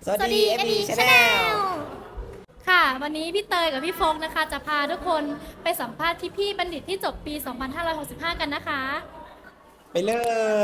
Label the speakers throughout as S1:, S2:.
S1: สวัสดี ME Channel
S2: ค่ะวันนี้พี่เตยกับพี่โฟกนะคะจะพาทุกคนไปสัมภาษณ์พี่บัณฑิตที่จบปี 2565 กันนะคะ
S1: ไปเลย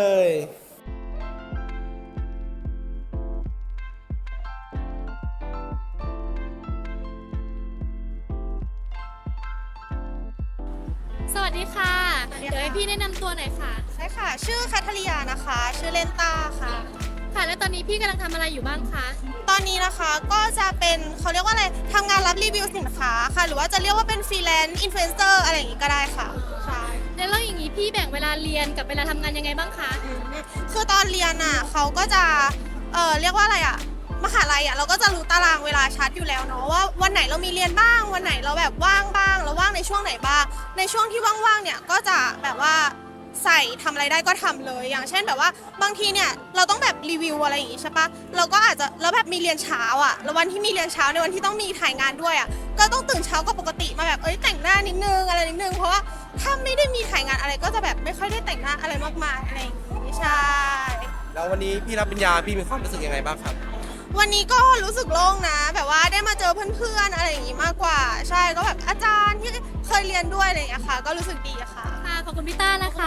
S2: สวัสดีค่ะ เดี๋ยวให้พี่แนะนำตัวหน่อยค่ะ
S3: ใช่ค่ะ ชื่อแคทเธอรียานะคะ ชื่อเล่นตาค่ะ
S2: ค่ะ และตอนนี้พี่กำลังทำอะไรอยู่บ้างคะ
S3: ตอนนี้นะคะก็จะเป็นเขาเรียกว่าอะไรทำงานรับรีวิวสินค้าค่ะ หรือว่าจะเรียกว่าเป็นฟรีแลนซ์อินฟลูเอนเซอร์อะไรอย่างงี้ก็ได้ค่ะใช่
S2: แล้วอย่างนี้พี่แบ่งเวลาเรียนกับเวลาทำงานยังไงบ้างคะ
S3: คือตอนเรียนอ่ะเขาก็จะเรียกว่าอะไรอ่ะมหาลัยอ่ะเราก็จะรู้ตารางเวลาชัดอยู่แล้วเนาะว่าวันไหนเรามีเรียนบ้างวันไหนเราแบบว่างบ้างเราว่างในช่วงไหนบ้างในช่วงที่ว่างๆเนี่ยก็จะแบบว่าใส่ทำอะไรได้ก็ทำเลยอย่างเช่นแบบว่าบางทีเนี่ยเราต้องแบบรีวิวอะไรอย่างงี้ใช่ปะเราก็อาจจะแล้วแบบมีเรียนเช้าอ่ะแล้ววันที่มีเรียนเช้าในวันที่ต้องมีถ่ายงานด้วยอ่ะก็ต้องตื่นเช้ากว่าปกติมาแบบแต่งหน้านิดนึงอะไรนิดนึงเพราะว่าถ้าไม่ได้มีถ่ายงานอะไรก็จะแบบไม่ค่อยได้แต่งหน้าอะไรมากมายอะไรอย่างงี้ใช่
S1: แล้ววันนี้พี่รับปริญญาพี่มีความรู้สึกยังไงบ้างครับ
S3: วันนี้ก็รู้สึกโล่งนะ แบบว่าได้มาเจอเพื่อนๆอะไรอย่างงี้มากกว่า ใช่ก็แบบอาจารย์ที่เคยเรียนด้วยอะไรอย่างเงี้ยค่ะ ก็รู้สึกดีอะค่ะ
S2: ค่ะ ขอบคุณพี่ต้านะคะ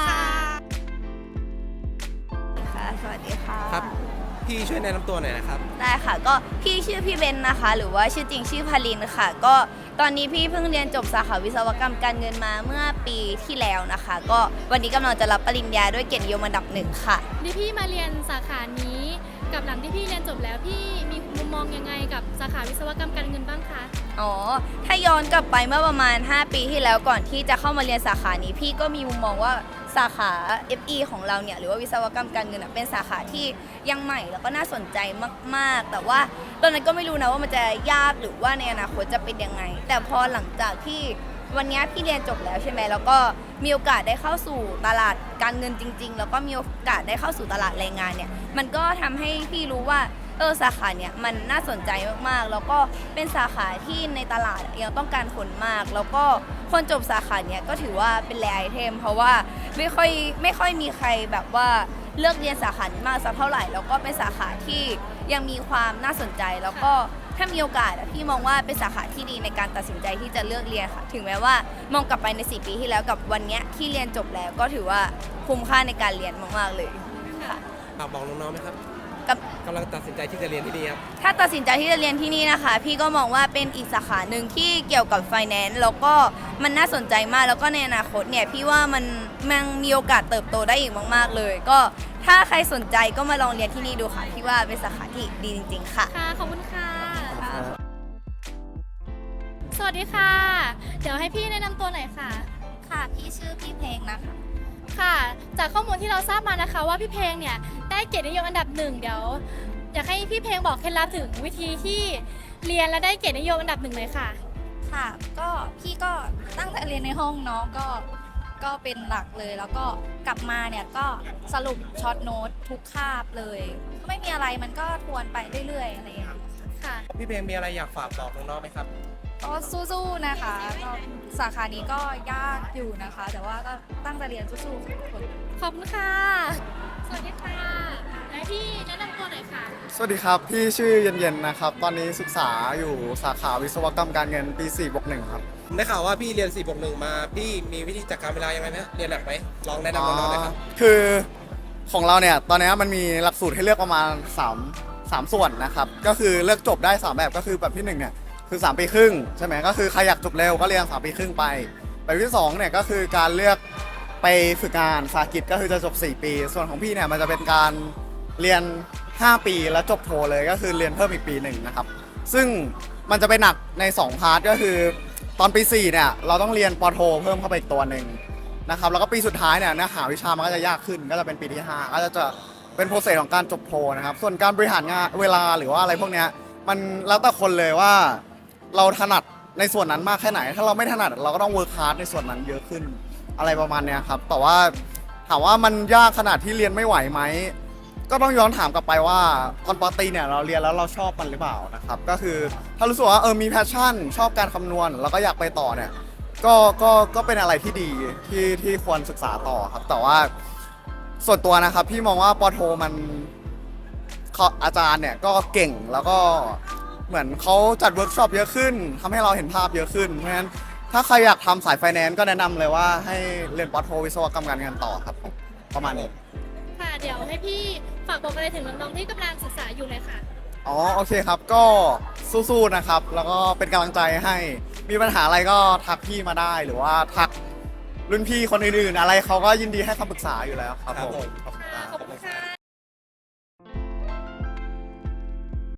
S4: ค่ะสวัสดีค่ะ
S1: ครับ พี่ช่วยแนะนำตัวหน่อยนะครับ
S4: ได้ค่ะ ก็พี่ชื่อพี่เบนนะคะ หรือว่าชื่อจริงชื่อพาลินค่ะ ก็ตอนนี้พี่เพิ่งเรียนจบสาขาวิศวกรรมการเงินมาเมื่อปีที่แล้วนะคะ ก็วันนี้กำลังจะรับปริญญาด้วยเกียรตินิยมอันดับ 1ค่ะ
S2: นี่พี่มาเรียนสาขานี้กับหลังที่พี่เรียนจบแล้วพี่มีมุมมองยังไงกับสาขาวิศวกรรมการเงินบ้างคะ
S4: อ๋อ ถ้าย้อนกลับไปเมื่อประมาณ 5 ปีที่แล้วก่อนที่จะเข้ามาเรียนสาขานี้ พี่ก็มีมุมมองว่าสาขา FE ของเราเนี่ยหรือว่าวิศวกรรมการเงินอะเป็นสาขาที่ยังใหม่แล้วก็น่าสนใจมากๆ แต่ว่าตอนนั้นก็ไม่รู้นะว่ามันจะยากหรือว่าในอนาคตจะเป็นยังไง แต่พอหลังจากที่วันนี้พี่เรียนจบแล้วใช่ไหมแล้วก็มีโอกาสได้เข้าสู่ตลาดการเงินจริงๆ แล้วก็มีโอกาสได้เข้าสู่ตลาดแรงงานเนี่ยมันก็ทำให้พี่รู้ว่าสาขาเนี่ยมันน่าสนใจมากๆ แล้วก็เป็นสาขาที่ในตลาดยังต้องการคนมาก แล้วก็คนจบสาขาเนี่ยก็ถือว่าเป็นแรไอเทมเพราะว่าไม่ค่อยมีใครแบบว่าเลือกเรียนสาขานี้มากสักเท่าไหร่แล้วก็เป็นสาขาที่ยังมีความน่าสนใจแล้วก็ถ้ามีโอกาสพี่มองว่าเป็นสาขาที่ดีในการตัดสินใจที่จะเลือกเรียนค่ะถึงแม้ว่ามองกลับไปใน4 ปีที่แล้วกับวันเนี้ยที่เรียนจบแล้วก็ถือว่าคุ้มค่าในการเรียนมากๆเลยค่ะ
S1: ฝากบอกน้องๆไหมครับ
S4: กับ
S1: กำลังตัดสินใจที่จะเรียนที่นี่ครับ
S4: ถ้าตัดสินใจที่จะเรียนที่นี่นะคะ พี่ก็มองว่าเป็นอีกสาขาหนึ่งที่เกี่ยวกับ finance แล้วก็มันน่าสนใจมากแล้วก็ในอนาคตเนี่ยพี่ว่ามันมีโอกาสเติบโตได้อีกมากๆเลย ก็ถ้าใครสนใจก็มาลองเรียนที่นี่ดูค่ะพี่ว่าเป็นสาขาที่ดีจริง ๆ ค่ะ
S2: ค่ะ ขอบคุณค่ะ สวัสดีค่ะ เดี๋ยวให้พี่แนะนำตัวหน่อยค่ะ
S4: ค่ะพี่ชื่อพี่เพลงนะคะ
S2: ค่ะ จากข้อมูลที่เราทราบมานะคะว่าพี่เพลงเนี่ยได้เกียรตินิยมอันดับ 1เดี๋ยวอยากให้พี่เพลงบอกเคล็ดลับถึงวิธีที่เรียนและได้เกียรตินิยมอันดับ 1เลยค่ะ
S5: ค่ะก็พี่ก็ตั้งแต่เรียนในห้องเนาะก็เป็นหลักเลยแล้วก็กลับมาเนี่ยก็สรุปช็อตโน้ตทุกคาบเลยไม่มีอะไรมันก็ทวนไปเรื่อยๆอะไรอย่างเงี้ย
S2: ค่ะ
S1: พี่เพลงมีอะไรอยากฝากบอกน้องๆไหมครับ
S5: ก็สู้ๆนะคะก็สาขานี้ก็ยากอยู่นะคะ แต่ว่าก็ตั้งใจเรียนสู้ๆค่ะทุกคน
S2: ขอบคุณค่ะ สวัสดีค่ะและพี่แนะนำตัวหน่อยค่ะ
S6: สวัสดีครับ พี่ชื่อเย็นๆนะครับ ตอนนี้ศึกษาอยู่สาขาวิศวกรรมการเงินปี4+1ครับ
S1: ได้ข่าวว่าพี่เรียน4+1มา พี่มีวิธีจัดการเวลายังไงไหมเรียนหนักไหมลองแนะนำน้องๆหน่อยครับ
S6: คือของเราเนี่ยตอนนี้มันมีหลักสูตรให้เลือกประมาณ3ส่วนนะครับ ก็คือเลือกจบได้ 3 แบบก็คือแบบที่1เนี่ยคือ3 ปีครึ่งใช่ไหมก็คือใครอยากจบเร็วก็เรียน3 ปีครึ่งไปแบบที่2เนี่ยก็คือการเลือกไปฝึกงานสาหกิจก็คือจะจบ4 ปี ส่วนของพี่เนี่ยมันจะเป็นการเรียน5 ปีแล้วจบโทเลยก็คือเรียนเพิ่มอีกปีหนึ่งนะครับซึ่งมันจะไปหนักใน2พาร์ทก็คือตอนปี4เนี่ยเราต้องเรียนปโทเพิ่มเข้าไปอีกตัวหนึ่งนะครับแล้วก็ปีสุดท้ายเนี่ยเนื้อหาวิชามันก็จะยากขึ้นก็จะเป็นปีที่5ก็จะเป็นโปรเซสของการจบโทนะครับส่วนการบริหารงานเวลาหรือว่าอะไรพวกเนี้ยมันแล้วแต่คนเลยว่าเราถนัดในส่วนนั้นมากแค่ไหน ถ้าเราไม่ถนัดเราก็ต้องเวิร์คฮาร์ดในส่วนนั้นเยอะขึ้นอะไรประมาณเนี้ยครับแต่ว่าถามว่ามันยากขนาดที่เรียนไม่ไหวไหมก็ต้องย้อนถามกลับไปว่าตอนปตรีเนี่ยเราเรียนแล้วเราชอบมันหรือเปล่านะครับก็คือถ้ารู้สึกว่ามีแพชชั่นชอบการคำนวณแล้วก็อยากไปต่อเนี่ยก็เป็นอะไรที่ดีที่ควรศึกษาต่อครับแต่ว่าส่วนตัวนะครับพี่มองว่าปโทมันอาจารย์เนี่ยก็เก่งแล้วก็เหมือนเขาจัดเวิร์กช็อปเยอะขึ้นทำให้เราเห็นภาพเยอะขึ้นเพราะฉะนั้นถ้าใครอยากทำสายไฟแนนซ์ก็แนะนำเลยว่าให้เรียนปอโทวิศวกรรมการเงินต่อครับผมประมาณนี้
S2: ค่ะเดี๋ยวให้พี่ฝากบอกอะไรถึงน้องๆที่กำลังศึกษาอยู่เลยค่ะ
S6: อ๋อโอเคครับก็สู้ๆนะครับแล้วก็เป็นกำลังใจให้มีปัญหาอะไรก็ทักพี่มาได้หรือว่าทักรุ่นพี่คนอื่นๆอะไรเขาก็ยินดีให้คำปรึกษาอยู่แล้วครับผม